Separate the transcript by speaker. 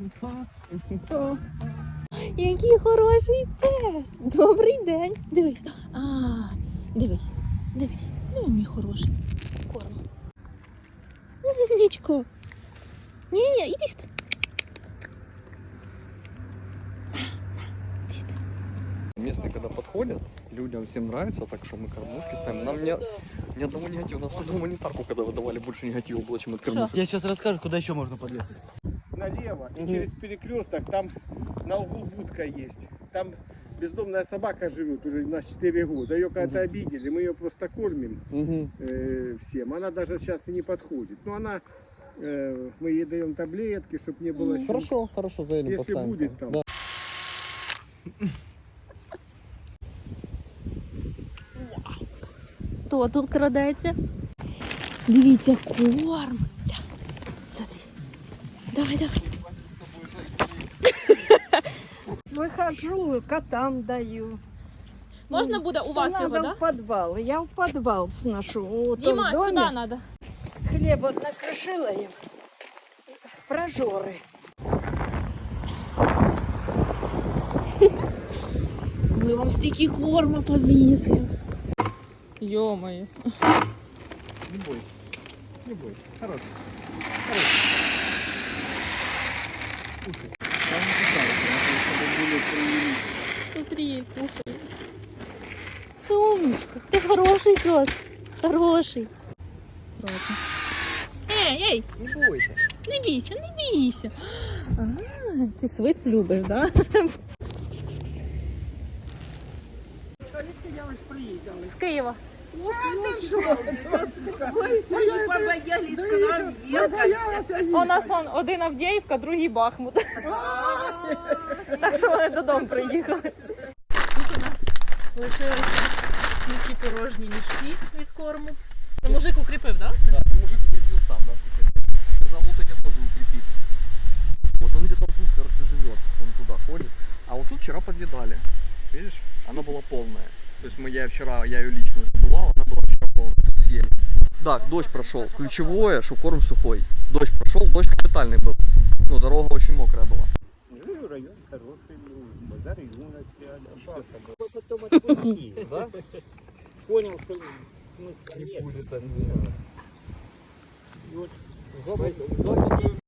Speaker 1: Який хороший пес. Добрий день. Дивись. Дивись. Дивись. Ну, мій хороший. Корм. Умничко. Ні, іди сюди.
Speaker 2: Местные, когда подходят, людям всем нравится, так что мы кормушки ставим. Нам ни одного негатива. У нас на гуманитарку, когда выдавали, больше негатива было, чем от кормушки.
Speaker 3: Я сейчас расскажу, куда еще можно подъехать.
Speaker 4: Налево и через перекресток, там на углу будка есть. Там бездомная собака живет уже у нас 4 года. Ее когда-то обидели, мы ее просто кормим всем. Она даже сейчас и не подходит. Но она, мы ей даем таблетки, чтобы не было...
Speaker 2: Хорошо, хорошо, заедем,
Speaker 4: если
Speaker 2: поставим.
Speaker 4: будет там.
Speaker 2: Да.
Speaker 1: Хто тут крадеться? Дивіться, корм. Смотри. Давай.
Speaker 5: Выхожу, котам даю.
Speaker 1: Можна буде у вас його,
Speaker 5: Надо
Speaker 1: да?
Speaker 5: в подвал. Я в подвал сношу. Вот
Speaker 1: Діма,
Speaker 5: он в доме.
Speaker 1: сюди треба.
Speaker 5: Хлеб вот накрошила им. Прожоры.
Speaker 1: Ми вам стільки корма повісили. Йо-моє.
Speaker 2: Не бойся. Не бойся. Хорошо. Слушай, там не
Speaker 1: Смотри, кушай. Ты умничка. Ты хороший пес. Хороший. Ладно. Ей,
Speaker 2: Не бойся.
Speaker 1: не бійся, не бійся. Ти свист любиш, да? З Києва.
Speaker 5: Побоялись к нам ехать.
Speaker 1: У нас один Авдіївка, другий Бахмут. Так що вони додому приїхали. Тут у нас лишилися тільки порожні мішки від корму. Це мужик укріпив, так?
Speaker 2: Да, мужик укрепил сам, да. Сказал, вот этих тоже укрепить. Вот он где-то тут, короче, живет. Он туда ходит. А вот тут вчера подъедали. Видишь? Она была полная. То есть я ее лично забывал, она была вчера полная. Тут съели. Да, дождь прошел. Ключевое, что корм сухой. Дождь прошел, дождь капитальный был. Ну, дорога очень мокрая была.
Speaker 4: Ну, район хороший, базар юности.
Speaker 3: Потом отпустил, да?
Speaker 4: Понял, что
Speaker 3: Не будет.
Speaker 4: вот,